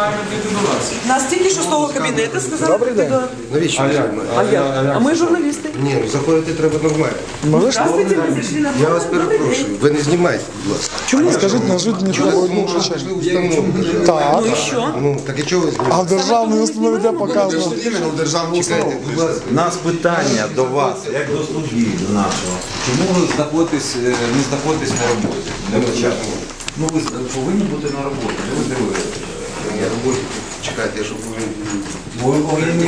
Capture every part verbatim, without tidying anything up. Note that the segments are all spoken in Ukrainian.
маємо прийти до вас. Нас тільки що з того кабінету сказали. Добрий день. Навіщо? А як? А я? А ми журналісти. Ні, ну заходити треба нормально. Здравствуйте, ми зайшли на Я вас перепрошую, ви не знімайте, будь ласка. Чому? Скажіть, неожиданно Чому одну ви причину. пішли установу? Так. Ну і що? Ну, так і чого ви А знімаєте? в державній установі де показано? Іменно в державну установу. Чекайте, будь ласка. У нас питання до вас, як до судді до нашого. Чому ви знаходитесь, е, не знаходитесь на роботі? Для початку? Ну ви повинні бути на роботі. Що ви дивитесь? Я роботі. Чекайте, я щоб ви... Ви повинні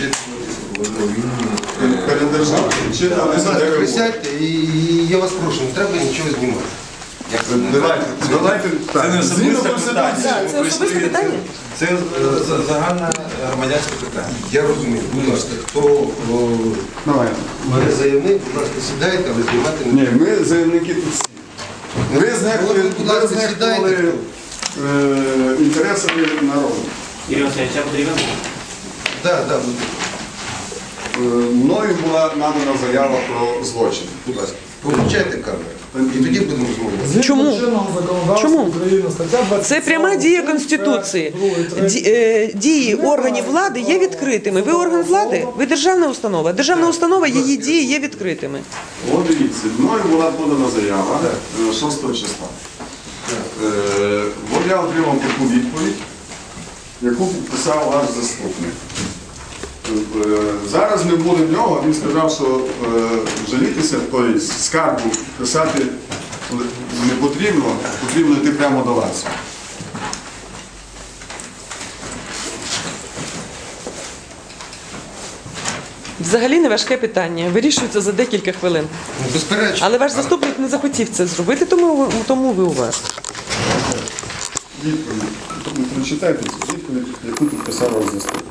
Перед державою. Чи там не знаю, як ви Присядьте і і я вас прошу, не треба нічого знімати. Давайте, давайте Це не так. Згідно особисте Конституції. питання. Це особисте питання? Це е, за- загальне громадянське питання. Я розумію, будь ласка, хто о, Давай. мене заявник, будь ласка, сідайте, але знімати не Ні, ми заявники тут всі. Ви знехтували, Ви, будь ласка, ви знехтували сідайте. е, інтересами народу. Ірина Васильович, я потрібен? Так, так, будь Е, Мною була надана заява про злочин. будь ласка. Включайте камеру. І тоді будемо розмовляти. Чому? Чому? Чому? Це пряма дія Конституції. Ді- е, Дії органів влади є відкритими. Ви орган влади? Ви державна установа. Державна установа, її дії є відкритими. От дивіться, мною була подана заява е, шостого числа. Е, От я отримав таку відповідь, яку підписав ваш заступник. Е, Зараз ми були в нього, він сказав, що е, жалітися, тобто скаргу писати не потрібно, потрібно йти прямо до вас. Взагалі не важке питання. Вирішується за декілька хвилин. Ну, безперечно. Але ваш заступник не захотів це зробити, тому, ви- тому ви у вас. Відповідь. Прочитайте цю відповідь, яку підписав ваш заступник.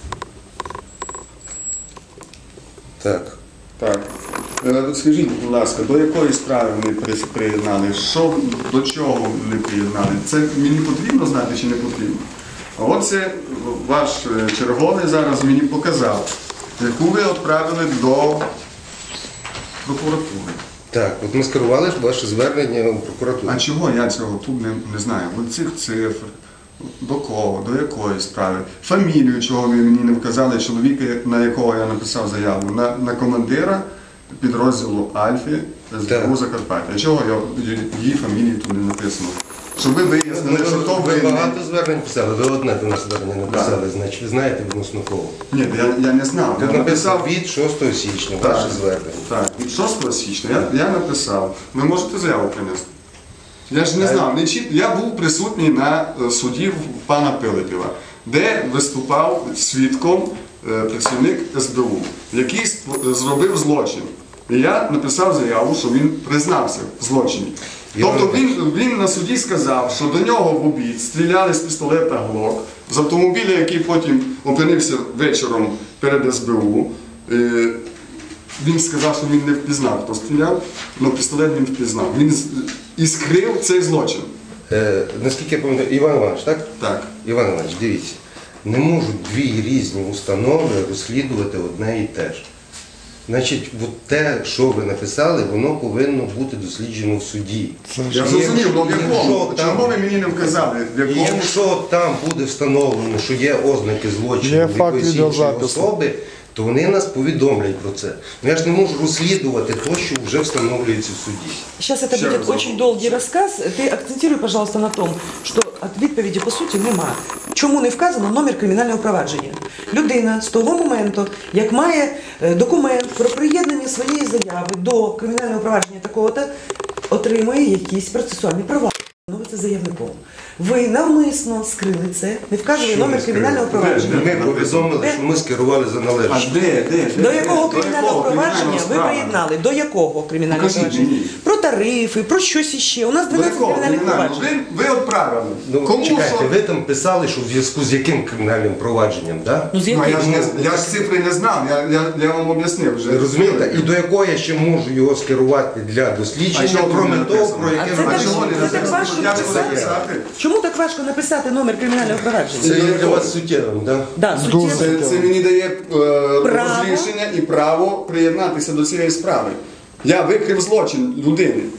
Так. Так. Е, Скажіть, будь ласка, до якої справи вони при- приєднали? Що, до чого вони приєднали? Це мені потрібно знати чи не потрібно? А оце ваш е, черговий зараз мені показав, яку ви відправили до прокуратури. Так, от ми скерували ваше звернення у прокуратуру. А чого я цього тут не, не знаю? От цих цифр, до кого, до якої справи, фамілію, чого ви мені не вказали, чоловіка, на якого я написав заяву, на, на командира підрозділу Альфі СБУ Закарпаття. Чого я, її фамілії тут не написано? Щоб ви вияснили, що то ви ви... багато звернень писали, ви одне до нас звернення написали, значить ви знаєте відносно кого. Ні, я, я не знав. Тут Я написав від шостого січня, ваше звернення. Так, від шостого січня я, я написав. Ви можете заяву принести? Я ж не знав, не чіт... я був присутній на е, суді в пана Пилипєва, де виступав свідком е, працівник ес бе у, який сп- зробив злочин. І я написав заяву, що він признався в злочині. Тобто він, він на суді сказав, що до нього в обід стріляли з пістолета Глок, з автомобіля, який потім опинився вечором перед ес бе у. Е, Він сказав, що він не впізнав, хто стріляв, але пістолет він впізнав. Він з- і скрив цей злочин. Е, наскільки я пам'ятаю, Іван Іванович, так? Так. Іван Іванович, дивіться, не можуть дві різні установи розслідувати одне і те ж. Значить, от те, що ви написали, воно повинно бути досліджено в суді. Я І зрозумів, але в якщо якому? там- Чому ви мені не вказали? В І якому? якщо там буде встановлено, що є ознаки злочину Є в факт якоїсь відеозапису. іншої особи, то вони нас повідомлять про це. Ну я ж не можу розслідувати те, що вже встановлюється в суді. Сейчас это Ще будет раз. очень долгий рассказ. Ты акцентируй, пожалуйста, на том, що от відповіді по суті нема. Чому не вказано номер кримінального провадження? Людина з того моменту, як має е, документ про приєднання своєї заяви до кримінального провадження такого-то, отримує якісь процесуальні права. Становиться заявником. Ви навмисно скрили це, не вказували Що номер ми скрили? кримінального провадження. Ми повідомили, що ми скерували за А належність. де, де, де? До якого де? кримінального провадження ви справа? приєднали? До якого кримінального Покажіть провадження? мені. Про тарифи, про щось іще. У нас До дванадцять якого кримінальних кримінального? проваджень. Ви, ви відправили. Ну, Кому чекайте, що? ви там писали, що в зв'язку з яким кримінальним провадженням, так? Ну, з Ну, яких? я, ж не, я ж цифри не знав, я, я, я вам об'яснив вже. Розумієте? І до якого я ще можу його скерувати для А дослідження, чого тут кроме не того, написано? про А яке це ви так, чого не це так важко Я ж буду написати? писати. Чому так важко написати номер кримінального провадження? Це є для вас суттєвим, так? Да, Дуже. суттєво. Це, це мені дає е, Право. розрішення і право приєднатися до цієї справи. Я викрив злочин людини.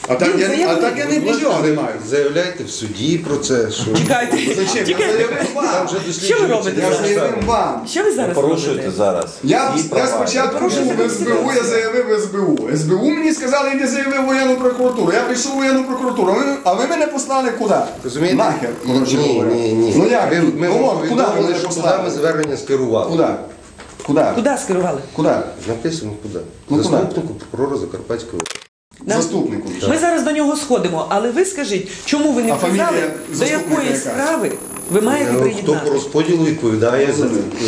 А так Він я, заявив. а так я нічого не маю. Заявляйте в суді про це, що Чекайте, Зачем? Я чекайте. заявив там вам. вже Що ви досліджується. робите Я зараз? заявив вам. Що ви зараз Порушуєте робите? зараз. Я, свої я права. спочатку Порушуєте був в ес бе у, я Конституцію. заявив в ес бе у. ес бе у мені сказали, йди заяви в воєнну прокуратуру. Я прийшов в воєнну прокуратуру, а ви, а ви мене послали куди? Розумієте? Нахер, коротше Ні, говоря. ні, ні. Ну як? Ви, ми ну, вам от, куди ви повідомили, мене що куди послали? ми звернення скерували. Куди? Куди? Куди скерували? Куди? Написано куди. Ну, куди? Заступнику прокурора Закарпатської області. Да? Заступнику. Ми зараз до нього сходимо, але ви скажіть, чому ви не А фамілія вказали, до заступника якої яка? справи ви маєте Е, Хто приєднати? по розподілу відповідає за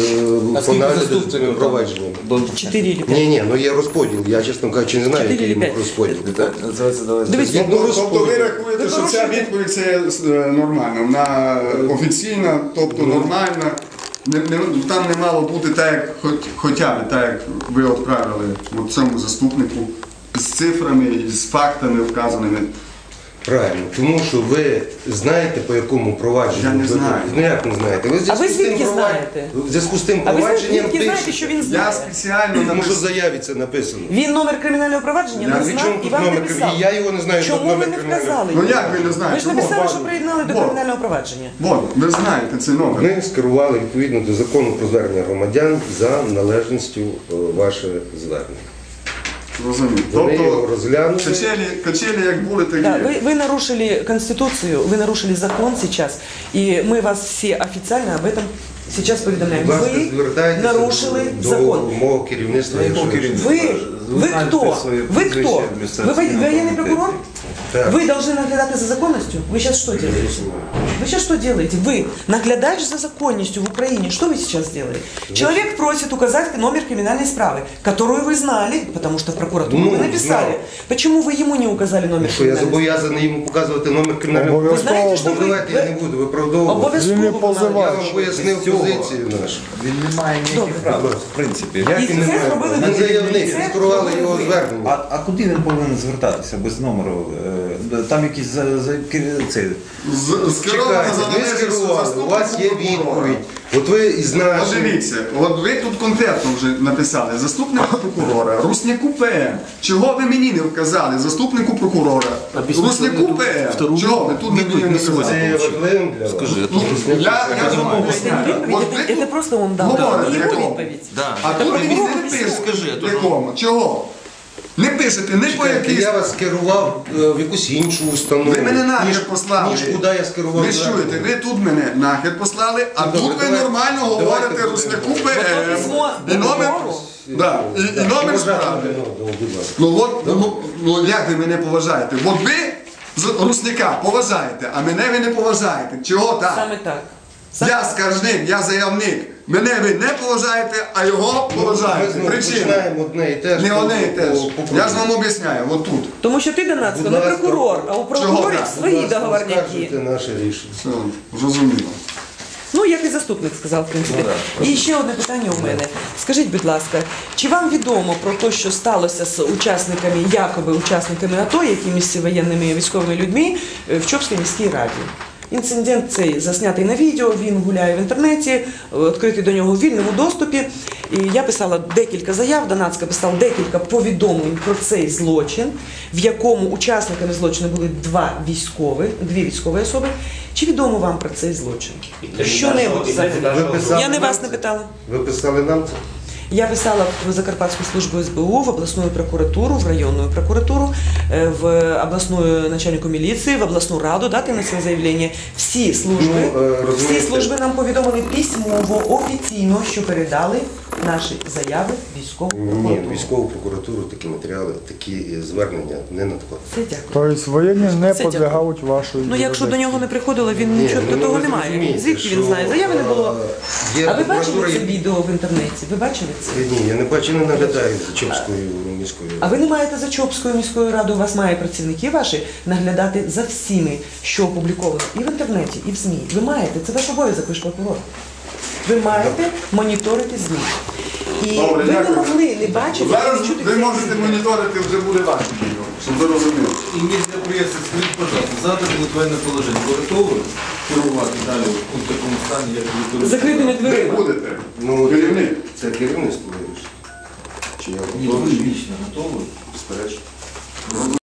е, по нагляду за цими провадженнями. Чотири чи п'ять. Ні, ні, ну є розподіл. Я, чесно кажучи, не знаю, Чотири який чи йому п'ять? розподіл. Дивіться, Згідно Тобто ви розподілу. рахуєте, Ви що ця порушуєте. відповідь це е, нормально, вона офіційна, тобто нормальна. Не, не, там не мало бути так, як хоч, хоча б так, як ви відправили от цьому заступнику з цифрами і з фактами вказаними. Правильно, тому що ви знаєте, по якому провадженню. Я не ви- знаю. Ну як не знаєте? Ви в А зв'язку ви з тим звідки провад- знаєте? В зв'язку з тим А ви провадженням звідки знаєте, пишете. що він Я знає? спеціально Тому що в написав. заяві це написано. Він номер кримінального провадження Я не При чому знав і тут вам не номер писав. кримінального? Я його не знаю, тут Чому ви номер не кримінального. вказали? Ну його? як ви не знаєте? Ви ж Чому? написали, що приєднали до Вот. кримінального провадження. От, ви знаєте цей номер. Ми скерували відповідно до закону про звернення громадян за належністю е, ваше звернення. Розумію. Вони його Тобто розглянули. качелі, качелі як були, так і Да, є. вы, вы нарушили Конституцию, вы нарушили закон сейчас, и мы вас все официально об этом сейчас поведомляем. Будь ласка, Вы звертайтеся нарушили до закон. мого керівництва. якщо ви- Вы, вы кто? Вы кто? Вы во- военный прокурор? Так. Вы должны наглядать за законностью? Вы сейчас что делаете? Вы сейчас что делаете? Вы наглядач за законностью в Украине. Что вы сейчас делаете? Человек просит указать номер криминальной справы, которую вы знали, потому что в прокуратуру Ну, вы написали. знал. Почему вы ему не указали номер Що я криминальной справы? зобов'язаний йому показувати номер кримінального Ви знаєте, Обов'язково. що Ну, ви... давайте я не буду виправдовувати. Обов'язково Він не ви позивач. Я маєте. вам пояснив Цього. позицію нашу. Він не має ніяких Добре. прав, в принципі. Як І він не це має? зробили Він ви. заявник, Це він скерували зробили його ви. звернення. А, а куди він повинен звертатися без номеру? Е, Там якісь за, за, цей, З- скеровано Чекайте, за ви належністю скерували, у вас є заступнику прокурора. відповідь. От ви із От нашим... дивіться, от ви тут конкретно вже написали заступнику прокурора, Русняку П М. Чого ви мені не вказали? Заступнику прокурора. Русняку П М. Чого ви тут мені не Це вказали? є важливим для вас. Ну, я, я ж вам об'ясняю. Это не От відповідь, ви це тут просто он дав. говорите, Не його якому? відповідь. А тут ви мені не Скажи, пишете. Якому? Чого? Не пишете, не по Чекайте, якійсь... я вас скерував е, в якусь іншу установу. Ви мене ніж- нахер послали. Ніж куди я скерував. Ви чуєте, ви тут мене нахер послали, а Ну, тут добре, ви давайте- нормально давайте говорите будемо. Русняку П Ото М. письмо І номер, прокурору. да, і, і номер Поважати справи. один одного, будь ласка. Ну от, ну, ну як ви мене поважаєте? От ви з- Русняка поважаєте, а мене ви не поважаєте. Чого так? Саме так. Я скаржник, я заявник. Мене ви не поважаєте, а його Ми поважаєте. знову Причина. починаємо одне і те ж. Не по- одне і те ж. по- по- Я ж вам об'ясняю, от тут. Тому що ти, Донацько, Будь не ласка. прокурор, а у Чого прокурорів так? свої Будь ласка, договорняки. оскаржуйте наше рішення. Все, зрозуміло. Ну, як і заступник сказав, в принципі. І ще одне питання у мене. Скажіть, будь ласка, чи вам відомо про те, що сталося з учасниками, якоби учасниками АТО, якимись воєнними військовими людьми е, в Чопській міській раді? Інцидент цей заснятий на відео, він гуляє в інтернеті, е, відкритий до нього в вільному доступі. І я писала декілька заяв, Донацька писала декілька повідомлень про цей злочин, в якому учасниками злочину були два військові, дві військові особи. Чи відомо вам про цей злочин? Що-небудь взагалі? Ви писали Я не нам вас це? не питала. Ви писали нам це? Я писала в Закарпатську службу ес бе у, в областную прокуратуру, в районную прокуратуру, э, в областную начальнику міліції, в обласну раду, дати на це заявлення. Всі служби, Ну, е, всі розумієте. служби нам повідомили письмово, офіційно, що передали наші заяви в військову Ні, прокуратуру. в військову прокуратуру такі матеріали, такі е, звернення не надходять. Це дякую. Тобто воєнні не Це підлягають вашої Ну, якщо до нього не приходило, він Ні, нічого ну, до того ви немає. зрозумієте, Звідки він що, знає? Заяви не було. е, є А ви бачили прокуратура, це є- відео в інтернеті? Ви бачили це? Ні, я не бачу, не наглядаю за Чопською міською. А ви не маєте за Чопською міською радою, у вас має працівники ваші наглядати за всіми, що опубліковано і в інтернеті, і в ЗМІ. Ви маєте, це ваш обов'язок, ви ж прокурор. Ви маєте моніторити ЗМІ. І Добре, ви не дякую. могли не бачити, Зараз не чути ви цих можете ЗМІ. моніторити, вже буде ваше відео, щоб ви розуміли. И нельзя приехать, скажите, пожалуйста, завтра будет военное положение. Вы готовы керувати далі у такому стані, як ви керуєте? Закритими Ви дверима. будете. Ну, Керівник. Це керівництво вирішить. Чи я Ні, ви готовий? лично готові? Безперечно.